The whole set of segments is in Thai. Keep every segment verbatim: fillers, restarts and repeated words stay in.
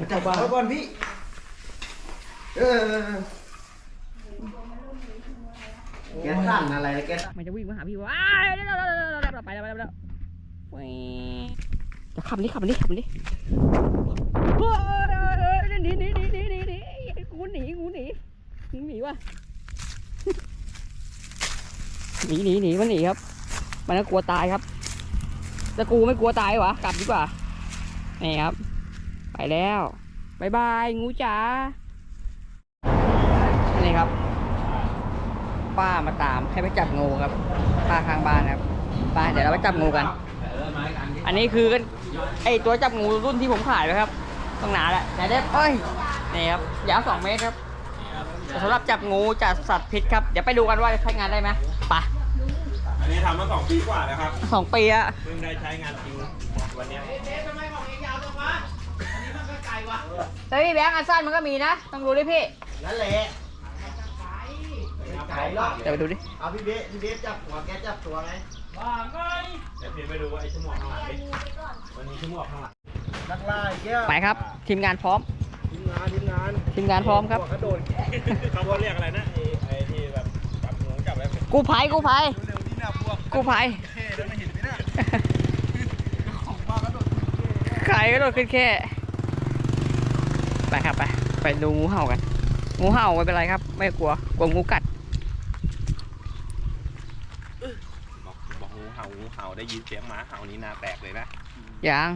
จับวางก่อนพี่เออแกสั่นอะไรแกมันจะวิ่งมาหาพี่ว่าไปแล้วไปแล้วไปแล้วจะขับนี่ขับนี่ขับนี่หนีหนีหนีหนีหนีหนีงูหนีงูหนีงูหนีว่ะหนีหนีหนีมันหนีครับมันก็กลัวตายครับแต่กูไม่กลัวตายวะกลับดีกว่านี่ครับไปแล้วบายบายงูจ๋านี่ครับป้ามาตามให้ไปจับงูครับป้าข้างบ้านครับป้าเดี๋ยวเราไปจับงูกันอันนี้คือไอตัวจับงูรุ่นที่ผมขายไว้ครับต้องหนาแหละไหนเด็บเอ้ยนี่ครับยาวสองเมตรครับสำหรับจับงูจับสัตว์พิษครับเดี๋ยวไปดูกันว่าใช้งานได้ไหมไปอันนี้ทำมาสองปีกว่าแล้วครับสองปีอะเพิ่งได้ใช้งานจริงวันนี้ทำไมของเองยาวจังวะอันนี้มันก็ไกลวะเฮ้ยแบงค์อันสั้นมันก็มีนะต้องดูดิพี่นั่นแหละไกลหรอกเดี๋ยวไปดูดิเอาพี่เบ๊พี่เบ๊จับหัวแกจับตัวไงว่าไงเดี๋ยวพี่ไปดูว่าไอ้ชั่วโมงข้างหลังดิวันนี้ชั่วโมงข้างหลังนักล่าแก้วไปครับทีมงานพร้อมทีมงานทีมงานทีมงานพร้อมครับกระโดดเขาเรียกอะไรนะไอ้ไอ้ที่แบบจับงูจับอะไรกู้ภัยกู้ภัยกู้ภัยใครก็โดดขึ้นแค่ไปครับไปไปดูงูเห่ากันงูเห่าไม่เป็นไรครับไม่กลัวกลัวงูกัดบอกบอกงูเห่างูเห่าได้ยินเสียงหมาเห่านี่นาแตกเลยนะยัง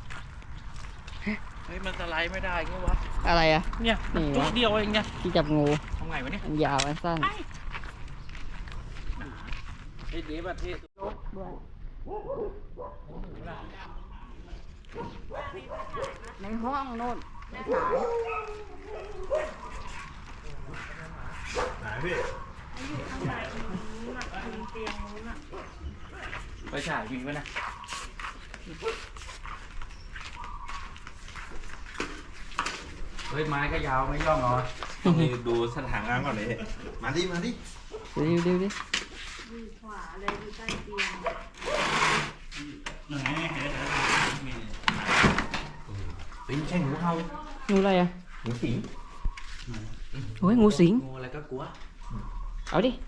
เฮ้ยมันสไลด์ไม่ได้ไงวะอะไรอะเนี่ยตัวเดียวเองเนี่ยที่จับงูทำไงวะเนี่ยยาวสั้นไอ้เดี๋ยวประเทศในห้องโน่นไม่ขายไหนพี่ไปฉายมีไหมนะเฮ้ยไม้ก็ยาวไม่ย่องเหรอต้องดูสถานการณ์ก่อนเลยมาดิมาดิดูดิดูดิขวาเลยอยู่ใต้เตียงไหนเป็นใช่งูเห่างูอะไรอะงูสิงโอ้ยงูสิงงูอะไรก็กลัวเอาดิ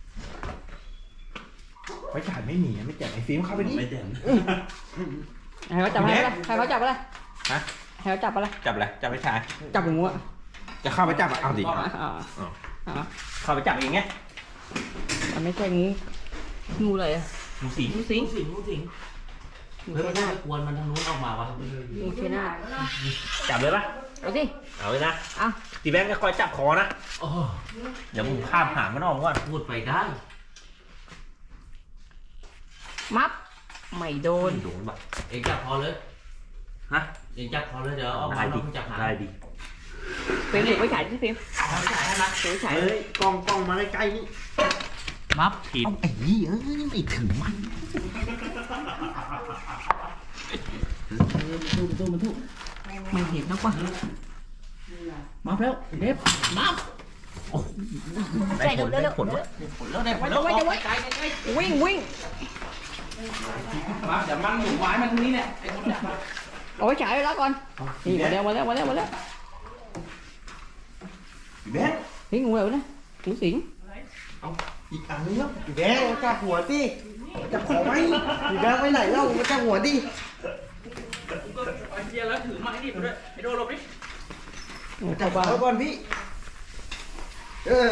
ไปฉายไม่หนีไม่แจกไอ้ฟิล์มเข้าไปดิไม่แจกใครเขาจับอะไรใครเขาจับอะไรฮะใครเขาจับอะไรจับอะไรจับไปฉายจับงูอะจะเข้าไปจับเอาดิเข้าไปจับอย่างเงี้ยมันไม่ใช่งูงูอะไรอะงูสิงงูสิงงูสิงงูสิงเฮ้ยมันจะกวนมันทางนู้นออกมาวะงูเชน่าจับเลยปะเอาสิเอาเลยนะเอาตีแบงค์ก็คอยจับคอนะเดี๋ยวมึงข้ามหางมันออกก่อนพูดไปได้มับไม่โดนโดนแบบเองจับคอเลยฮะเองจับคอเลยเดี๋ยวเอาไปจับหางได้ดิฟิล์มหรือไม่ฉายที่ฟิล์มไม่ฉายนะฟิล์มฉายเฮ้ยกล้องกล้องมาใกล้ๆนี่มับผิดเอาไอ้นี่เอ้ยไม่ถึงมันดูดูมันทุกไม่เห็นนะป่ะมาแล้วเด็บมาได้ผลได้ผลผลแล้วได้ผลแล้วไว้ไว้วิ่งวิ่งมาเดี๋ยวมันหมุนไม้มันตรงนี้เนี่ยเอาไว้ฉายไว้แล้วก่อนนี่มาแล้วมาแล้วมาแล้วมาแล้วแบงค์นี่งูอะไรนะงูสิงเอาอีกอันนึงแล้วแบงค์จับหัวดิจับคอไว้แบงค์ไปไหนเล่ามาจับหัวดิไอ้เจียแล้วถือไม้นี่ไปด้วยไอ้โดนลบดิจับหัวก่อนพี่เออ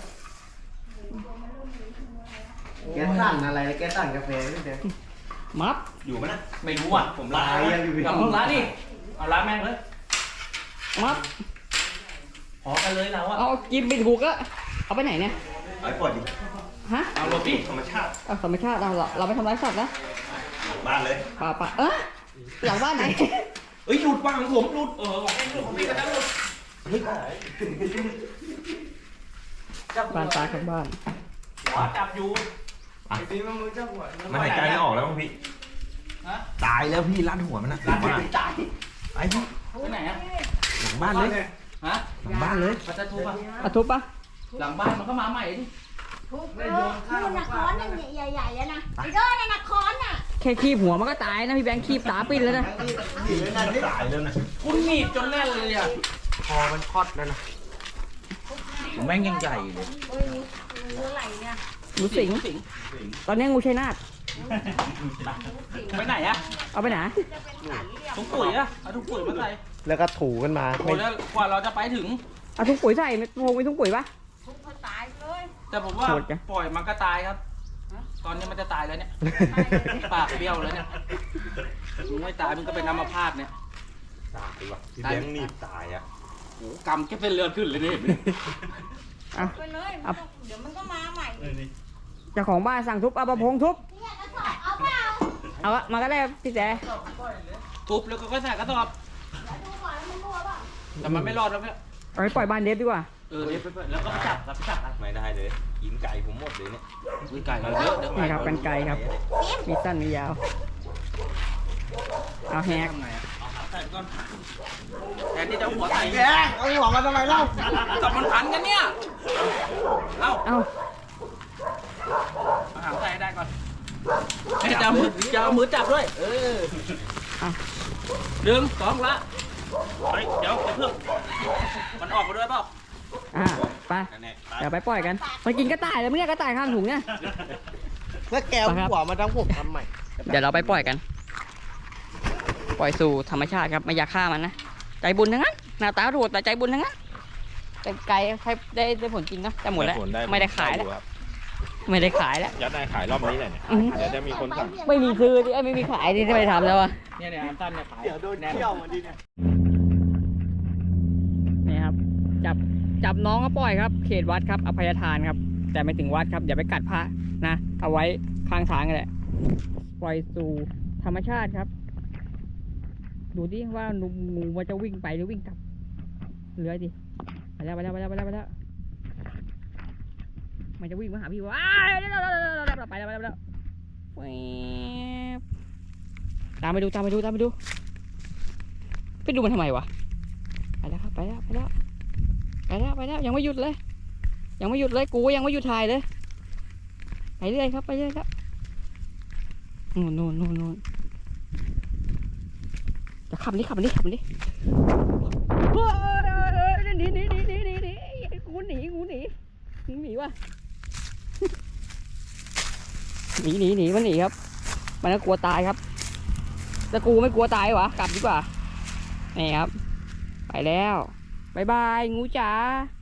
แกสั่นอะไรแกสั่นกาแฟพี่แบงค์มัดอยู่ไหมนะไม่รู้อ่ะผมล้างกับผมล้างนี่เอาล้างแม่งเลยมัดพอกันเลยเราอ่ะเอากินไปถูกอะเอาไปไหนเนี่ยไอ้ปวดดิฮะเอาลบดิธรรมชาติเอาธรรมชาติเราเราไปทำร้ายสัตว์นะบ้านเลยป่าป่าเออหลังบ้านไหนเอ้ยหลุดบ้างของผมหลุดเออของเองหลุดของพี่ก็จะหลุดบ้านตาข้างบ้านหัวจับอยู่ไอ้พี่มันมือจับหัวมันหายใจไม่ออกแล้วมั้งพี่ตายแล้วพี่รัดหัวมันนะรัดหัวตายไอ้พี่ไปไหนอะหลังบ้านเลยฮะหลังบ้านเลยจะทุบปะอะทุบปะหลังบ้านมันก็มาใหม่ดิทุบเลยนู่นนะค้อนนั่นใหญ่ๆแล้วนะไอ้เด้อนั่นนะค้อนน่ะแคค่คีบหัวมันก็ตายนะพี่แบงค์คีบตาปิ้นแล้วนะหนีเลยนะนี่ตายแล้วนะคุณหนีบจนแน่นเลยอ่ะคอมันคอดแล้วนะแม่งยังใหญ่เลยเฮ้ยงูอะไรเนี่ยงูสิงสิงตอนนี้งูชัยนาทไปไหนอ่ะเอาไปไหนถุงปุ๋ยอ่ะเอาถุงปุ๋ยมาใส่แล้วก็ถูกันมาโอ้แล้วกว่าเราจะไปถึงเอาถุงปุ๋ยใส่ไม่พงไปถุงปุ๋ยปะทุกคนตายเลยแต่ผมว่าโหดจังปล่อยมันก็ตายครับ ตอนนี้มันจะตายแล้วเนี่ย ปากเบี้ยวแล้วเนี่ยมึงไม่ตายมึงก็เป็นอัมพาตเนี่ยตายว่ะพี่แบงค์หนีบตายอ่ะโอ้โหกำแค่เป็นเลือดขึ้นเลยนี่เห็นไหมเอาไปเลยเอาเดี๋ยวมันก็มาใหม่เจ้าของบ้านสั่งทุบเอาประพงทุบเอาอะมาก็ได้พี่แจ๊ทุบแล้วก็ค่อยใส่กระสอบแต่มันไม่รอดแล้วเนี่ยเอาไปปล่อยบ้านเดฟดีกว่าเออเดี๋ยวไปๆแล้วก็ไปจับครับไปจับครับไม่ได้เลยกินไก่ผมหมดเลยเนี่ยอุ้ยไก่เราเยอะเดี๋ยวนี่ครับกันไกลครับ มีสั้นมียาว เอาแฮกทำไงอะเอาขาใส่ก่อนแทนที่จะเอาหัวใส่แกเอาหัวมาทำไมเล่าจับมันพันกันเนี่ยเอ้าเอาเอาหางใส่ให้ได้ก่อนเอ้ยจะเอามือจะเอามือจับด้วย เออเอาหนึ่งสองละเฮ้ยเดี๋ยวเดี๋ยวเพิ่งมันออกมาด้วยเปล่าอ่าไปนั่นแหละเดี๋ยวไปปล่อยกันมันกินกระต่ายแล้วมึงเนี่ยกระต่ายข้างถุงเนี่ยแล้วแกเอาหัวมาทั้งผมทำใหม่เดี๋ยวเราไปปล่อยกัน ปล่อยสู่ธรรมชาติครับไม่อยากฆ่ามันนะ ใจบุญทั้งนั้นหน้าตาโหดแต่ใจบุญทั้งนั้นแต่ไก่ใช้ได้ได้ผลจริงนะแต่หมดแล้ว ไม่ได้ขายแล้ว ไม่ได้ขายแล้วยัดได้ขายรอบนี้เลยเนี่ยอื้อหือเดี๋ยวจะมีคนสั่งไม่มีซื้อดิเอ้ยไม่มีขายดิไม่ได้ทำแล้วอะเนี่ยเนี่ยอันตั้นเนี่ยขายเดี๋ยวโดนเที่ยวมาดิเนี่ยนี่ครับ จับจับน้องก็ปล่อยครับ เขตวัดครับอภัยทานครับ แต่ไม่ถึงวัดครับอย่าไปกัดพระนะ เอาไว้ข้างทางกันแหละ ปล่อยสู่ธรรมชาติครับ ดูดิว่างูมันจะวิ่งไปหรือวิ่งกลับเลื้อยดิไปแล้วไปแล้วไปแล้วไปแล้วไปแล้วมันจะวิ่งมาหาพี่ว่าอ้าวไปแล้วไปแล้วไปแล้วไปแล้วแว๊บตามไปดูตามไปดูตามไปดูไปดูมันทำไมวะไปแล้วครับไปแล้วไปแล้วไปแล้วไปแล้วยังไม่หยุดเลย ยังไม่หยุดเลยกูยังไม่หยุดถ่ายเลยไปเรื่อยครับไปเรื่อยครับนู่นนู่นนู่นนู่นจะขับนี่ขับนี่ขับนี่หนีหนีหนีหนีหนีหนีกูหนีกูหนีกูหนีวะหนีหนีหนีมันหนีครับมันก็กลัวตายครับแต่กูไม่กลัวตายวะกลับดีกว่านี่ครับไปแล้วบายบายงูจ๋า